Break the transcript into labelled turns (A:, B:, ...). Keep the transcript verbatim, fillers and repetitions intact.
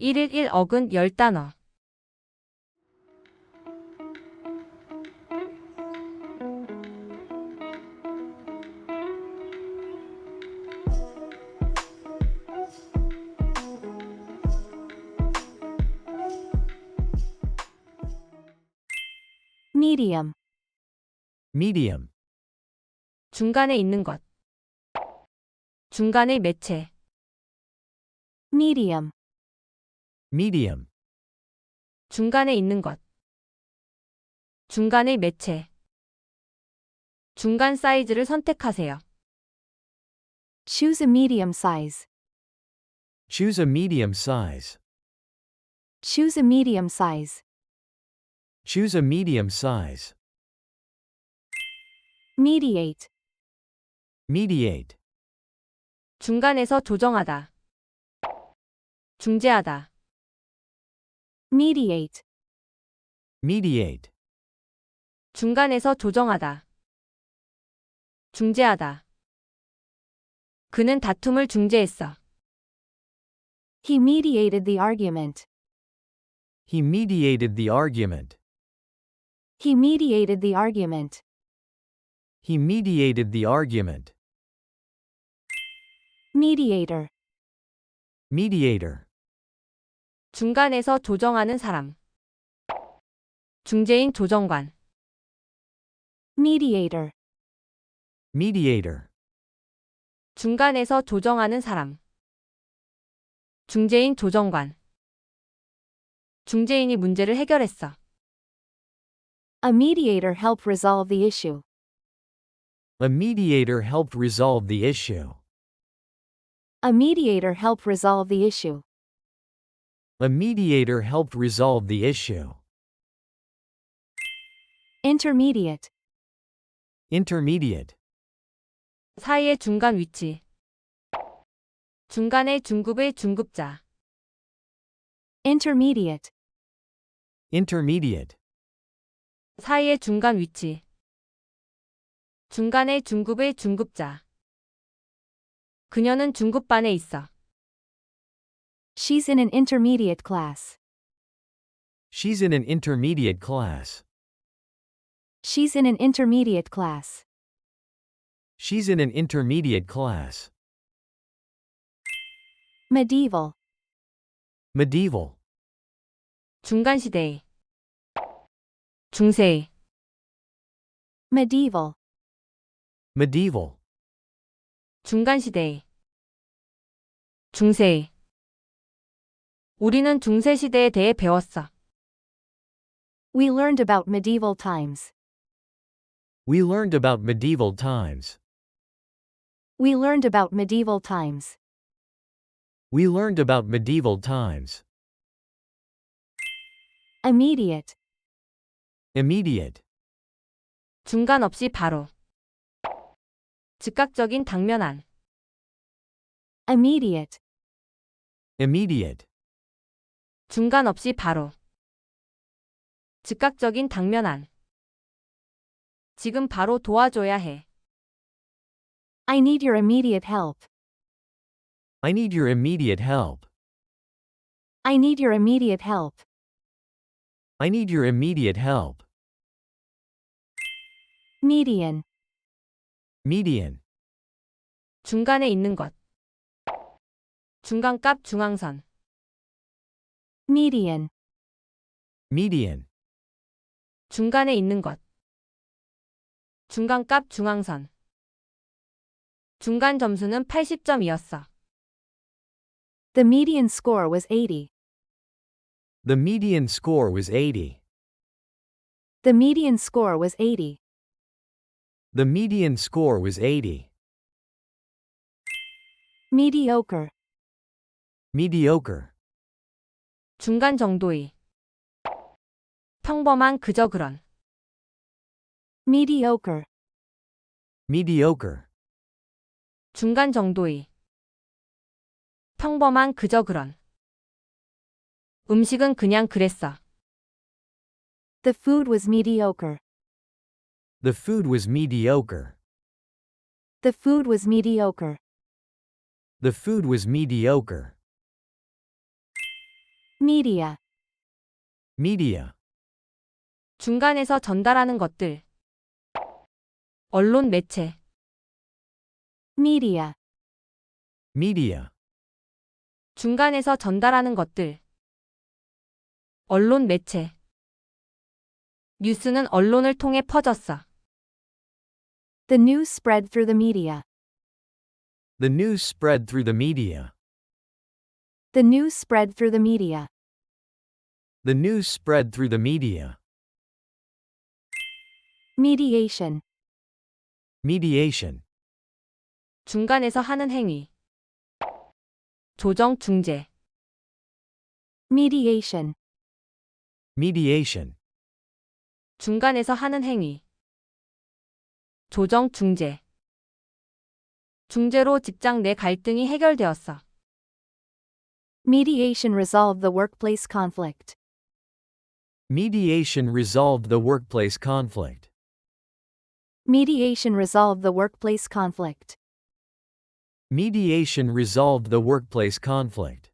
A: 일일 일억은 열 단어.
B: medium,
C: medium,
A: 중간에 있는 것. 중간의 매체.
B: medium,
C: medium,
A: 중간에 있는 것. 중간의 매체. 중간 사이즈를 선택하세요.
B: choose a medium size,
C: choose a medium size,
B: choose a medium size,
C: choose a medium size,
B: mediate,
C: mediate,
A: 중간에서 조정하다. 중재하다.
B: mediate,
C: mediate,
A: 중간에서 조정하다. 중재하다. 그는 다툼을 중재했어.
B: he mediated the argument,
C: he mediated the argument,
B: he mediated the argument,
C: he mediated the argument,
B: mediator,
C: mediator,
A: 중간에서 조정하는 사람. 중재인 조정관.
B: mediator,
C: mediator,
A: 중간에서 조정하는 사람. 중재인 조정관. 중재인이 문제를 해결했어.
B: a mediator helped resolve the issue,
C: a mediator helped resolve the issue,
B: a mediator helped resolve the issue,
C: a mediator helped resolve the issue,
B: intermediate,
C: intermediate,
A: 사이의 중간 위치. 중간의 중급의 중급자.
B: intermediate,
C: intermediate,
A: 사이의 중간 위치. 중간의 중급의 중급자. 그녀는 중급반에 있어.
B: she's in an intermediate class,
C: she's in an intermediate class,
B: she's in an intermediate class,
C: she's in an intermediate class,
B: medieval,
C: medieval,
A: 중간시대의. 중세의.
B: medieval,
C: medieval,
A: 중간시대의. 중세의. 우리는 중세시대에 대해 배웠어.
B: we learned about medieval times,
C: we learned about medieval times,
B: we learned about medieval times,
C: we learned about medieval times,
B: immediate,
C: immediate,
A: 중간 없이 바로. 즉각적인 당면한.
B: immediate,
C: immediate,
A: 중간 없이 바로. 즉각적인 당면한. 지금 바로 도와줘야 해.
B: I need your immediate help,
C: I need your immediate help,
B: I need your immediate help,
C: I need your immediate help,
B: median,
C: median,
A: 중간에 있는 것. 중간값 중앙선.
B: median,
C: median,
A: 중간에 있는 것. 중간값 중앙선. 중간 점수는 팔십 점이었어.
B: the median score was eighty,
C: the median score was eighty,
B: the median score was eighty,
C: the median score was eighty,
B: mediocre,
C: mediocre,
A: 중간 정도의. 평범한 그저 그런.
B: mediocre,
C: mediocre,
A: 중간 정도의. 평범한 그저 그런. 음식은 그냥 그랬어.
B: the food was mediocre,
C: the food was mediocre,
B: the food was mediocre,
C: the food was mediocre,
B: Media.
C: Media.
A: 중간에서 전달하는 것들. 언론 매체.
B: Media.
C: Media.
A: 중간에서 전달하는 것들. 언론 매체. 뉴스는 언론을 통해 퍼졌어.
B: The news spread through the media.
C: The news spread through the media.
B: The news spread through the media.
C: The news spread through the media.
B: Mediation.
C: Mediation.
A: 중간에서 하는 행위. 조정 중재.
B: Mediation.
C: Mediation.
A: 중간에서 하는 행위. 조정 중재. 중재로 직장 내 갈등이 해결되었어.
B: Mediation resolved the workplace conflict.
C: Mediation resolved the workplace conflict.
B: Mediation resolved the workplace conflict.
C: Mediation resolved the workplace conflict.